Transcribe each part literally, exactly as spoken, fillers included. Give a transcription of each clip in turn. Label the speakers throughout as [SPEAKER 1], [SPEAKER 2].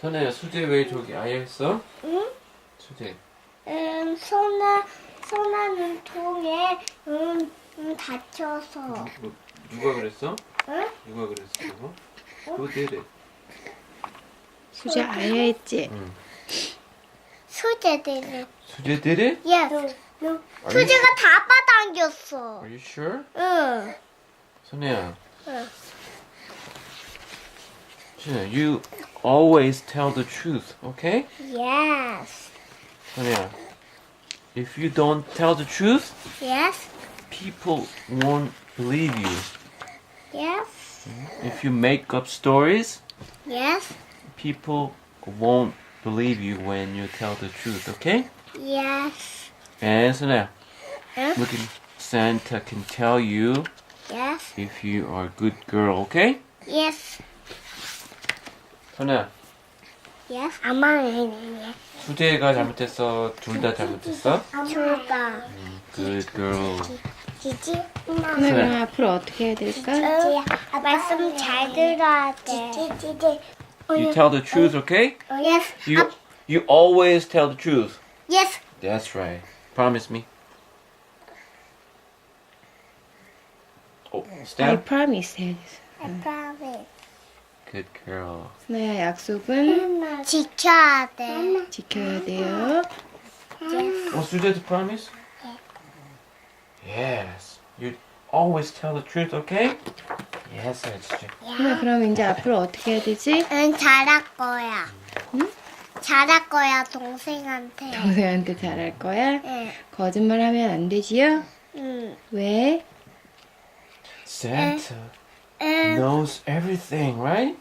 [SPEAKER 1] 선혜야, 수제 왜 저기 아예 했어?
[SPEAKER 2] 응?
[SPEAKER 1] 수제.
[SPEAKER 2] 음, 소나, 소나는 통에, 음, 음, 다쳐서.
[SPEAKER 1] 누, 누가 그랬어?
[SPEAKER 2] 응?
[SPEAKER 1] 누가 그랬어, 그거? Who did it?
[SPEAKER 3] 수제 아예 했지?
[SPEAKER 1] 응.
[SPEAKER 2] 수제들이.
[SPEAKER 1] 수제 did it?
[SPEAKER 2] Yes. 수제가 다 빠당겼어.
[SPEAKER 1] Are you sure?
[SPEAKER 2] 응.
[SPEAKER 1] 선혜야.
[SPEAKER 2] 응.
[SPEAKER 1] 선혜야, you always tell the truth, okay?
[SPEAKER 2] Yes.
[SPEAKER 1] 선혜야, if you don't tell the truth,
[SPEAKER 2] Yes.
[SPEAKER 1] people won't believe you.
[SPEAKER 2] Yes.
[SPEAKER 1] If you make up stories,
[SPEAKER 2] Yes.
[SPEAKER 1] people won't believe you when you tell the truth, okay?
[SPEAKER 2] Yes.
[SPEAKER 1] And 선혜야,
[SPEAKER 2] 응?
[SPEAKER 1] look, Santa can tell you
[SPEAKER 2] Yes.
[SPEAKER 1] if you are a good girl, okay?
[SPEAKER 2] Yes.
[SPEAKER 1] 선혜야,
[SPEAKER 2] Yes. 아마는
[SPEAKER 1] 수재가 잘못했어? 둘 다 잘못했어?
[SPEAKER 2] 둘다.
[SPEAKER 1] Good girl.
[SPEAKER 2] 지지?
[SPEAKER 3] 선아 그럼 앞으로 어떻게 해야 될까?
[SPEAKER 2] 응. 말씀 잘 들어야 돼. 지지.
[SPEAKER 1] You tell the truth, okay?
[SPEAKER 2] Yes.
[SPEAKER 1] You you always tell the truth.
[SPEAKER 2] Yes.
[SPEAKER 1] That's right. Promise me. Oh,
[SPEAKER 3] I
[SPEAKER 1] Steph.
[SPEAKER 3] promise 해야지.
[SPEAKER 2] I promise.
[SPEAKER 1] Good girl.
[SPEAKER 3] 선아야 약속은
[SPEAKER 2] 지켜야 돼.
[SPEAKER 3] 지켜야 돼요.
[SPEAKER 2] Yes.
[SPEAKER 1] Oh, 수재도 promise? Yes. You always tell the truth, okay? Yes, 수재.
[SPEAKER 3] 선아 그럼 이제 앞으로 어떻게 해야 되지?
[SPEAKER 2] 응, 잘할 거야.
[SPEAKER 3] 응?
[SPEAKER 2] 잘할 거야, 동생한테.
[SPEAKER 3] 동생한테 잘할 거야?
[SPEAKER 2] 응.
[SPEAKER 3] 거짓말하면 안 되지요?
[SPEAKER 2] 응.
[SPEAKER 3] 왜?
[SPEAKER 1] Santa
[SPEAKER 2] 응.
[SPEAKER 1] knows everything, right?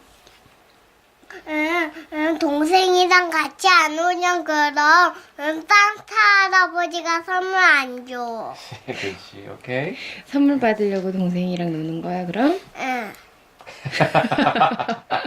[SPEAKER 2] 응, 응, 동생이랑 같이 안 오면 그럼 응, 산타 할아버지가 선물 안 줘.
[SPEAKER 1] 그렇지, okay?
[SPEAKER 3] 선물 받으려고 동생이랑 노는 거야 그럼?
[SPEAKER 2] 응.